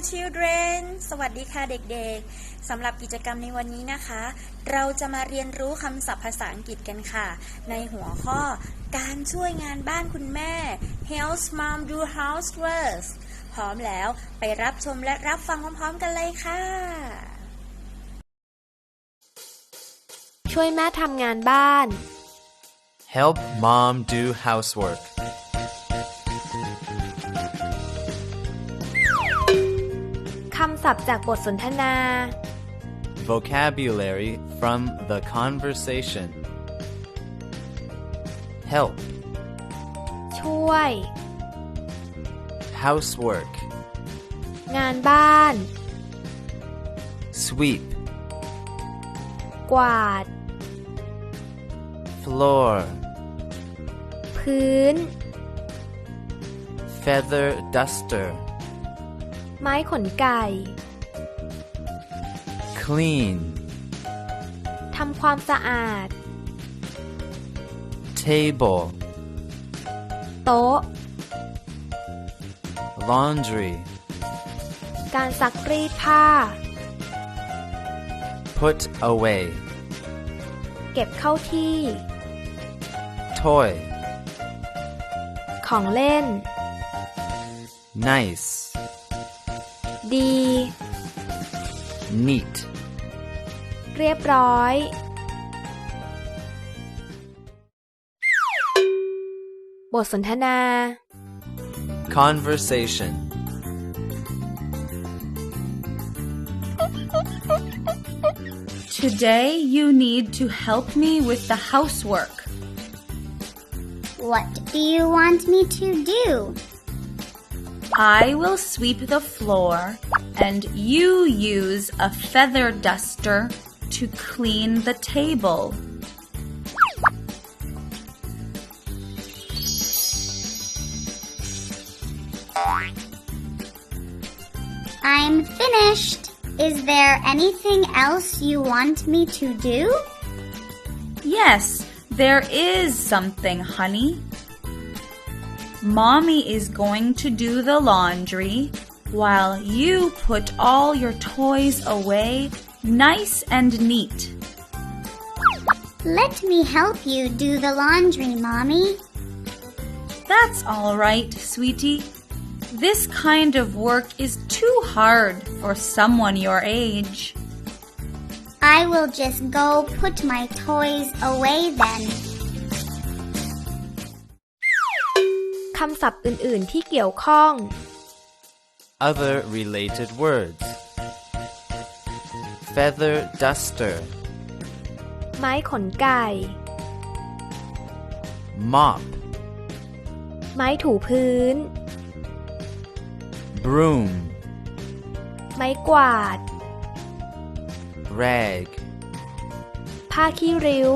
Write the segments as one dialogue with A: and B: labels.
A: children สวัสดีค่ะเด็กๆสำหรับกิจกรรมในวันนี้นะคะเราจะมาเรียนรู้คำศัพท์ภาษาอังกฤษกันค่ะในหัวข้อการช่วยงานบ้านคุณแม่ Help Mom do housework พร้อมแล้วไปรับชมและรับฟังพร้อมๆกันเลยค่ะ
B: ช่วยแม่ทำงานบ้าน
C: Help mom do housework.
B: คำศัพท์จากบทสนทนา
C: Vocabulary from the conversation. Help.
B: ช่วย
C: Housework.
B: งานบ้าน
C: Sweep.
B: กวาด
C: Floor.
B: พื้น
C: Feather duster.
B: ไม้ขนไก่
C: Clean.
B: ทำความสะอาด
C: Table.
B: โต๊ะ
C: Laundry.
B: การซักรีดผ้า
C: Put away.
B: เก็บเข้าที่
C: Toy.
B: ของเล่น
C: Nice.
B: ดี
C: Neat.
B: เรียบร้อย บทสนทนา
C: Conversation.
D: Today you need to help me with the housework.
E: What do you want me to do?
D: I will sweep the floor and you use a feather duster to clean the table.
E: I'm finished. Is there anything else you want me to do?
D: Yes, there is something, honey. Mommy is going to do the laundry while you put all your toys away nice and neat.
E: Let me help you do the laundry, Mommy.
D: That's all right, sweetie. This kind of work is too hard for someone your age.
E: I will just go put my toys away then.
B: คำศัพท์อื่นๆที่เกี่ยวข้อง
C: Other related words. Feather duster.
B: ไม้ขนไก่
C: Mop.
B: ไม้ถูพื้น
C: Broom.
B: ไม้กวาด
C: Rag.
B: ผ้าขี้ริ้ว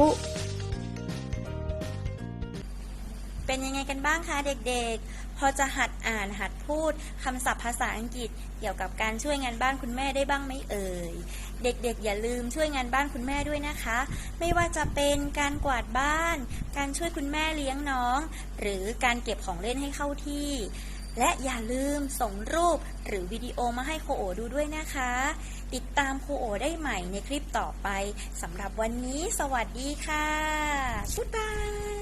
A: เป็นยังไงกันบ้างคะเด็กๆพอจะหัดอ่านหัดพูดคำศัพท์ภาษาอังกฤษเกี่ยวกับการช่วยงานบ้านคุณแม่ได้บ้างไหมเอ่ยเด็กๆอย่าลืมช่วยงานบ้านคุณแม่ด้วยนะคะไม่ว่าจะเป็นการกวาดบ้านการช่วยคุณแม่เลี้ยงน้องหรือการเก็บของเล่นให้เข้าที่และอย่าลืมส่งรูปหรือวิดีโอมาให้โคโอดูด้วยนะคะติดตามโคโอได้ใหม่ในคลิปต่อไปสำหรับวันนี้สวัสดีค่ะบ๊ายบาย